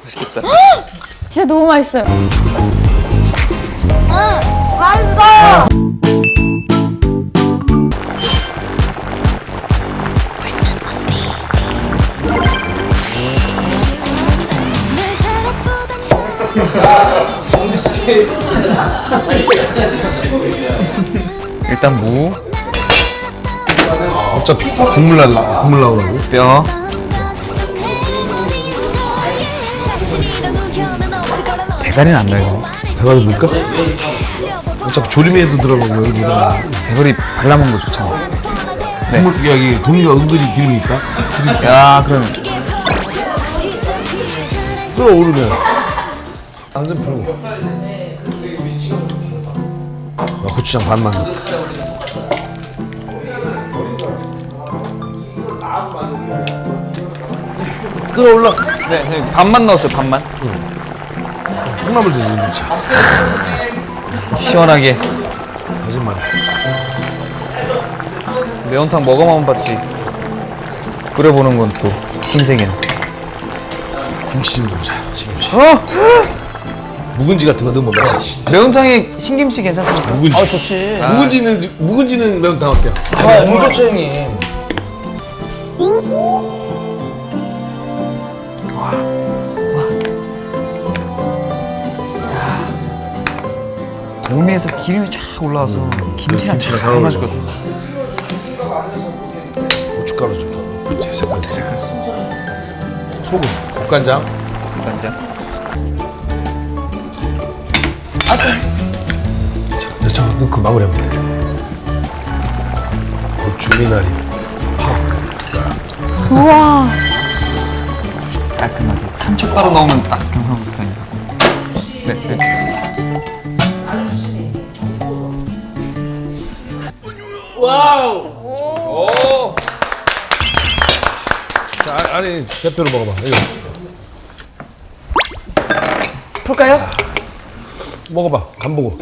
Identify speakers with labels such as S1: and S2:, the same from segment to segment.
S1: 맛있겠다.
S2: 진짜 너무 맛있어요. 맛있어.
S1: 일단 무,
S3: 어차피 국물 나오라고.
S1: 뼈. 대가리는 안 넣어요.
S3: 대가리 넣을까? 어차피 조림에도 들어가고 여기 들어가고.
S1: 대가리 발라먹는 거 좋잖아. 네.
S3: 국물 여기 도미가 은근히 기름이 있다.
S1: 야, 그러면
S3: 끓어오르면 완전 풀고. 고추장 반만 넣고. 끓어올라.
S1: 네, 선생님 반만 넣었어요. 반만.
S3: 콩나물 드시는 차.
S1: 시원하게.
S3: 거짓말.
S1: 매운탕 먹어만 봤지. 끓여보는 건 또 신세계네.
S3: 김치 좀 넣자. 김치.
S1: 어?
S3: 묵은지 같은 거 넣으면 맛있지.
S1: 매운탕에 신김치 괜찮습니까?
S3: 묵은지.
S4: 좋지.
S3: 묵은지는 매운탕 어때요?
S4: 너무 좋죠, 형님.
S1: 도미에서 기름이 쫙 올라와서 김치랑
S3: 김치랑
S1: 잘 맛있거든.
S3: 고춧가루 좀 더 넣고 색깔. 소금, 국간장.
S1: 간장.
S3: 자, 넣고 마무리하면 돼. 고추, 미나리,
S2: 우와.
S1: 깔끔하게. 산초가루 넣으면 딱 경상도 스타일이다. 네, 네.
S3: 자, 아니 대표로 먹어봐. 이거
S4: 풀까요?
S3: 먹어봐. 간 보고.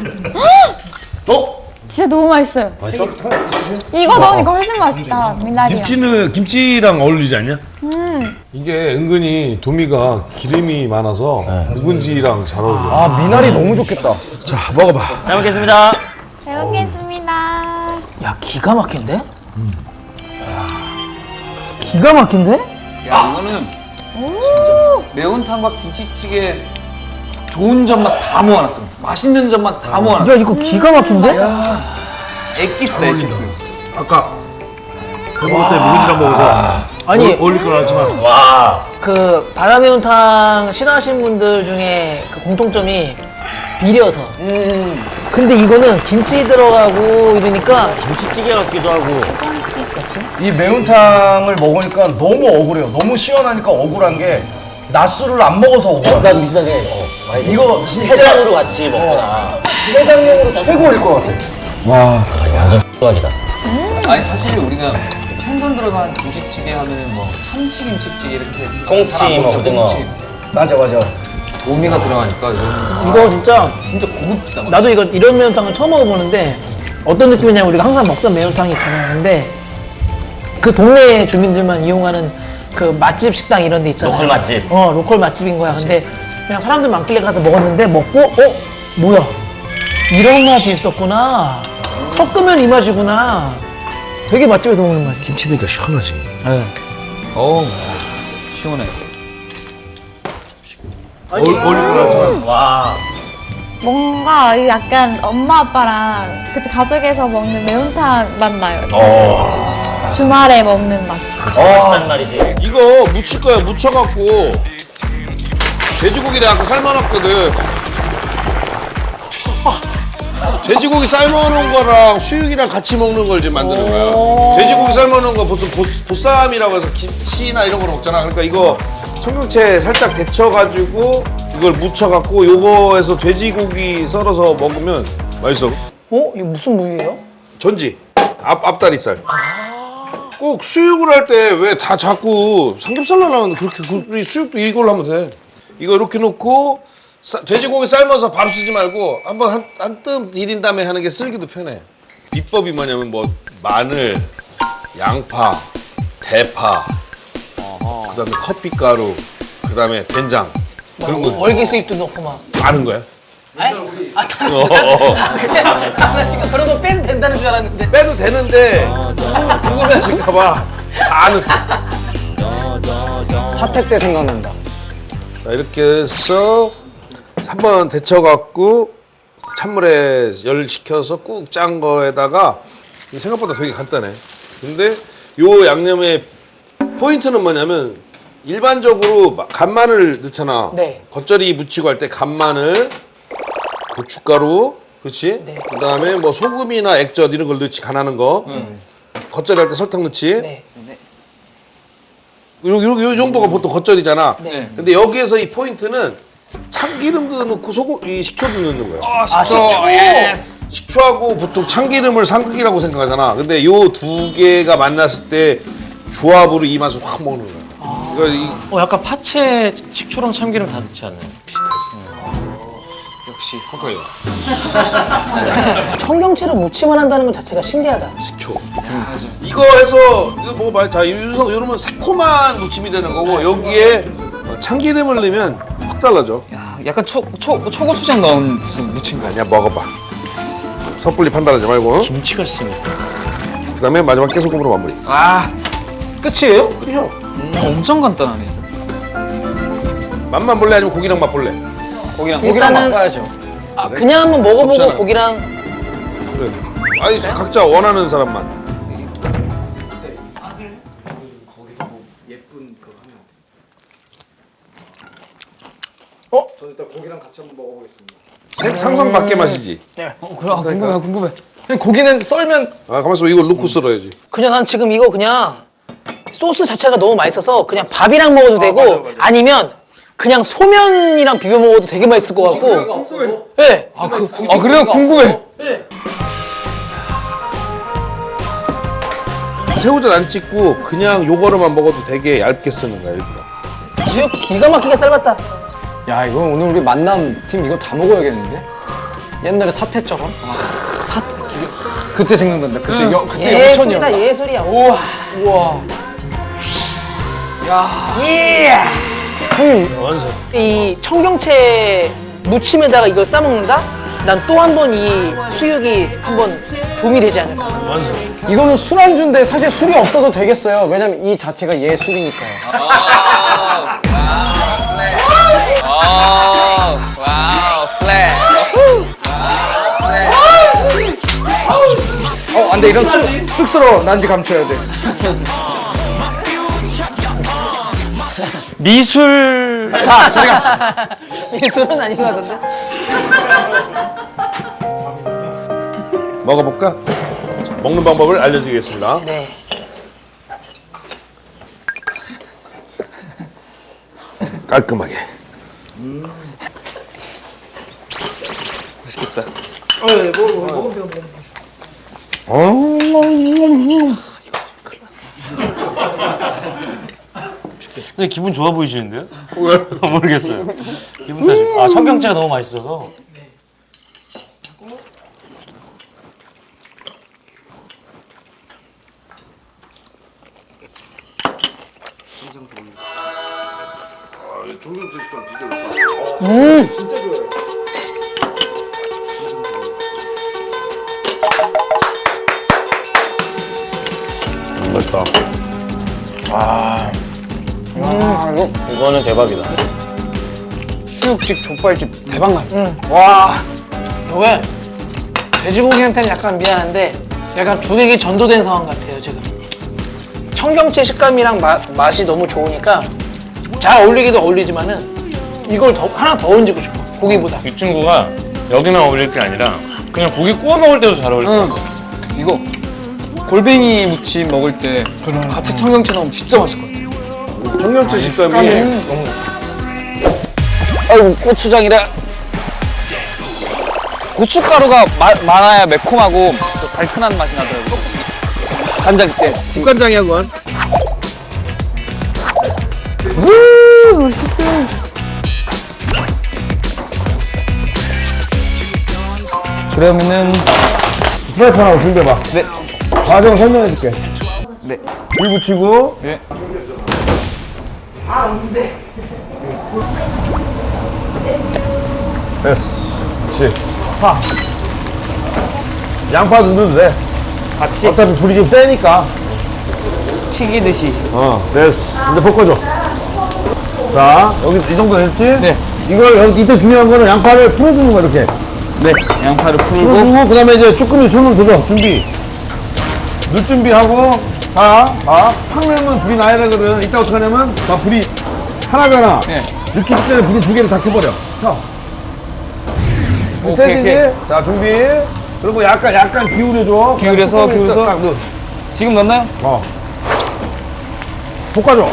S2: 진짜 너무 맛있어요.
S4: 맛있어?
S2: 이거 넣으니까 훨씬 맛있다. 미나리랑.
S3: 김치랑 어울리지 않냐? 이게 은근히 도미가 기름이 많아서 묵은지랑 잘 어울려.
S4: 아, 미나리 너무 좋겠다.
S3: 자, 먹어봐.
S4: 잘 먹겠습니다.
S2: 잘 먹겠습니다.
S4: 야, 기가 막힌데? 기가 막힌데?
S1: 야, 이거는 진짜 매운탕과 김치찌개 좋은 점만 다 모아놨어. 맛있는 점만 다 모아놨어.
S4: 야, 이거 기가 막힌데?
S1: 엑기스다, 엑기스.
S3: 아까 그 먹을 때 묵은지랑 먹어서
S4: 아니,
S3: 어울릴 건 알지만
S4: 그 바다 매운탕 싫어하시는 분들 중에 그 공통점이 비려서. 근데 이거는 김치 들어가고 이러니까
S5: 김치찌개 같기도 하고
S6: 이 매운탕을 먹으니까 너무 억울해요. 너무 시원하니까 억울한 게 낮술을 안 먹어서 억울해.
S5: 나도 비슷하게 많이
S6: 이거 진짜
S5: 해장으로 같이 먹거나
S6: 해장용으로 최고일 것 같아.
S5: 완전 X각이다.
S1: 아니, 사실 우리가 생선 들어간 김치찌개 하면은 뭐 참치김치찌개 이렇게
S5: 통치,
S1: 잘안
S5: 뭐
S1: 먹잖아,
S5: 고등어.
S1: 통치.
S6: 맞아.
S1: 도미가 들어가니까 이거는
S4: 이거 진짜
S1: 진짜 고급지다. 막.
S4: 나도 이런 매운탕을 처음 먹어보는데 어떤 느낌이냐면 우리가 항상 먹던 매운탕이 있잖아요. 근데 그 동네 주민들만 이용하는 그 맛집 식당 이런 데 있잖아요.
S5: 로컬 맛집.
S4: 로컬 맛집인 거야. 근데 그냥 사람들 많길래 가서 먹었는데 먹고 뭐야 이런 맛이 있었구나. 섞으면 이 맛이구나. 되게 맛집에서 먹는 맛.
S3: 김치 넣으니까 시원하지.
S1: 어우, 시원해.
S3: 어울릴 건 알지만
S5: 와
S2: 뭔가 약간 엄마 아빠랑 그때 가족에서 먹는 매운탕 맛 나요. 주말에 먹는 맛.
S5: 맛있단 말이지.
S7: 이거 무칠 거야. 무쳐갖고 돼지고기를 아까 삶아놨거든. 돼지고기 삶아놓은 거랑 수육이랑 같이 먹는 걸 지금 만드는 거야. 돼지고기 삶아놓은 거 보통 보쌈이라고 해서 김치나 이런 걸 먹잖아. 그러니까 이거 청경채 살짝 데쳐가지고 이걸 무쳐갖고 요거에서 돼지고기 썰어서 먹으면 맛있어.
S4: 이거 무슨 무예요?
S7: 전지 앞다리살. 꼭 수육을 할 때 왜 다 자꾸 삼겹살로 나오는데 그렇게 수육도 이걸로 하면 돼. 이거 이렇게 놓고 돼지고기 삶아서 바로 쓰지 말고 한번 한 뜸 디린 다음에 하는 게 쓸기도 편해. 비법이 뭐냐면 뭐 마늘, 양파, 대파, 그다음에 커피가루, 그다음에 된장 그런 거
S4: 월계 수입도 넣고 막.
S7: 아는 거야?
S4: 아니? 나 지금 그런 거 빼도 된다는 줄 알았는데.
S7: 빼도 되는데 궁금해하실까봐 다 아는어.
S6: 사택 때 생각난다.
S7: 자 이렇게 해서 한번 데쳐갖고 찬물에 열 식혀서 꾹 짠 거에다가 생각보다 되게 간단해. 근데 요 양념의 포인트는 뭐냐면 일반적으로 간마늘 넣잖아.
S4: 네.
S7: 겉절이 무치고 할 때 간마늘, 고춧가루, 그렇지?
S4: 네.
S7: 그다음에 뭐 소금이나 액젓 이런 걸 넣지 간하는 거. 겉절이 할 때 설탕 넣지.
S4: 네.
S7: 요 정도가 보통 겉절이잖아.
S4: 네.
S7: 근데 여기에서 이 포인트는 참기름도 넣고 소금, 이 식초도 넣는 거야.
S4: 식초.
S1: 예스.
S7: 식초하고 보통 참기름을 삼극이라고 생각하잖아. 근데 요 두 개가 만났을 때 조합으로 이 맛을 확 먹는 거야. 그러니까
S5: 약간 파채 식초랑 참기름 다 넣지 않나요?
S1: 역시 헛거요.
S4: 청경채를 무침을 한다는 것 자체가 신기하다.
S7: 식초. 이거 해서 이거 먹어봐요. 자, 이러면 새콤한 무침이 되는 거고 여기에 참기름을 넣으면 확 달라져.
S1: 야, 약간 초고추장 넣은 무슨 무침 같아.
S7: 아니야, 먹어봐. 섣불리 판단하지 말고.
S5: 김치가 있습니다.
S7: 그다음에 마지막 깨소금으로 마무리.
S1: 아, 끝이에요?
S7: 그래요.
S1: 엄청 간단하네.
S7: 맛만 볼래 아니면 고기랑 맛 볼래?
S1: 고기랑
S4: 일단은
S1: 바꿔야죠.
S4: 그냥 한번 먹어보고
S7: 좋잖아.
S4: 고기랑
S7: 그래. 아니 각자 원하는 사람만. 상상 밖의 맛이지.
S1: 그래, 궁금해.
S6: 고기는 썰면
S7: 아 가만 있어, 이걸 넣고 썰어야지.
S4: 그냥 난 지금 이거 그냥 소스 자체가 너무 맛있어서 그냥 밥이랑 먹어도 되고
S6: 맞아.
S4: 아니면 그냥 소면이랑 비벼 먹어도 되게 맛있을 것 같고. 네.
S1: 그래요? 궁금해.
S7: 새우젓 안 찍고 그냥 요거로만 먹어도 되게 얇게 쓰는 거야 일부러.
S4: 지역 기가 막히게 삶았다.
S6: 야 이거 오늘 우리 만남 팀 이거 다 먹어야겠는데? 옛날에 사태처럼? 그때 생각난다. 그때
S4: 예술이다
S6: 영천이었나?
S4: 예술이야. 우와.
S6: 우와.
S4: 예.
S7: 완성.
S4: 이 청경채 무침에다가 이걸 싸 먹는다? 난 또 한 번 이 수육이 한번 도움이 되지 않을까.
S7: 완성.
S6: 이거는 술안주인데 사실 술이 없어도 되겠어요. 왜냐면 이 자체가 예술이니까요.
S1: 와우, 플랫.
S6: 안 돼. 이런 쑥스러워. 난지 감춰야 돼.
S5: 미술.
S4: 예술은 아닌 것 같은데?
S7: 먹어볼까? 자, 먹는 방법을 알려드리겠습니다.
S4: 네.
S7: 깔끔하게.
S1: 맛있겠다.
S5: 근데 기분 좋아 보이시는데요? 왜? 모르겠어요. 기분 탓이. 아, 청경채가 너무 맛있어서.
S7: 맛있다.
S5: 이거는 대박이다.
S6: 수육집, 족발집 대박 나요.
S4: 와. 이게 돼지고기한테는 약간 미안한데 약간 주객이 전도된 상황 같아요 지금. 청경채 식감이랑 맛이 너무 좋으니까 잘 어울리기도 어울리지만은 이걸 하나 더 얹고 싶어 고기보다.
S5: 이 친구가 여기만 어울릴 게 아니라 그냥 고기 구워 먹을 때도 잘 어울릴 것 같아.
S1: 이거 골뱅이 무침 먹을 때 같이 청경채 넣으면 진짜 맛있을 것 같아.
S7: 청경채 식감이
S1: 아이고, 고추장이다. 고춧가루가 많아야 매콤하고 또 달큰한 맛이 나더라고요. 간장 때.
S7: 국간장이야 그건.
S1: 그러면은
S3: 프라이팬하고 준비해봐.
S1: 네.
S3: 과정 설명해줄게.
S1: 네.
S3: 불 붙이고
S1: 네.
S3: 됐어. 그렇지. 파. 양파 넣어도 돼.
S5: 같이
S3: 어차피 불이 좀 세니까.
S5: 튀기듯이.
S3: 됐어. 이제 볶아줘. 자, 여기 이 정도 됐지?
S1: 네.
S3: 이걸 여기 이때 중요한 거는 양파를 풀어주는 거야, 이렇게.
S1: 네, 양파를 풀고
S3: 풀어주고, 그 다음에 이제 쭈꾸미 손을 들어, 준비. 넣을 준비하고, 자, 팍 넣으면 불이 나야 되거든. 이따 어떻게 하냐면, 자, 불이 하나잖아.
S1: 네.
S3: 넣기 전에 불을 두 개를 다 켜버려. 켜.
S1: 오케이,
S3: 세지지?
S1: 오케이.
S3: 자, 준비. 그리고 약간 기울여줘.
S1: 기울여서, 기울여서.
S3: 딱 넣어.
S1: 지금 넣나요?
S3: 볶아줘.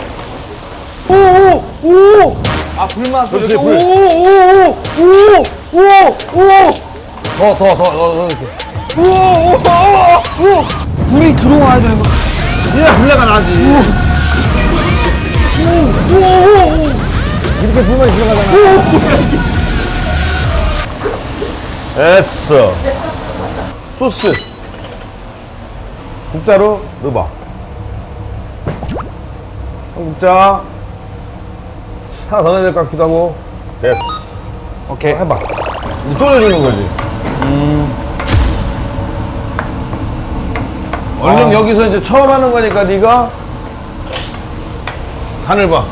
S3: 오!
S1: 아, 불맛을
S3: 그렇지,
S1: 이렇게
S3: 불. 더 이렇게.
S1: 불이 들어와야 되는 거.
S3: 이래야 불내가 나지. 이렇게 불만이 들어가잖아. 됐어. 소스. 국자로 넣어봐. 한 국자. 하나 더 넣어야 될 것 같기도 하고. 됐어.
S1: 오케이.
S3: 해봐. 이제 졸여주는 거지. 얼른 여기서 이제 처음 하는 거니까 네가 간을 봐.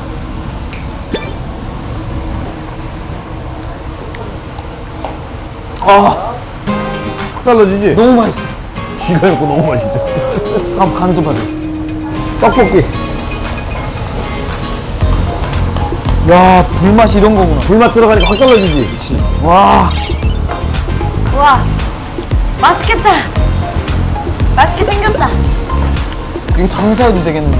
S3: 떨어지지?
S1: 너무 맛있어.
S3: 쥐가 있고 너무 맛있대.
S1: 한번 간 좀 봐줘.
S3: 떡볶이.
S1: 야, 불맛이 이런 거구나.
S3: 불맛 들어가니까 확 떨어지지?
S1: 와,
S2: 와, 맛있겠다. 맛있게 생겼다.
S1: 이거 장사해도 되겠는데?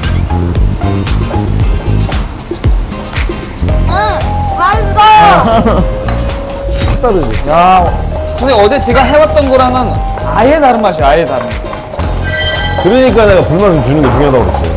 S2: 맛있어요.
S3: 확 떨어지지?
S1: 야, 선생님 어제 제가 해왔던 거랑은 아예 다른 맛이야, 아예 다른.
S3: 그러니까 내가 불맛을 주는 게 중요하다고 그랬어.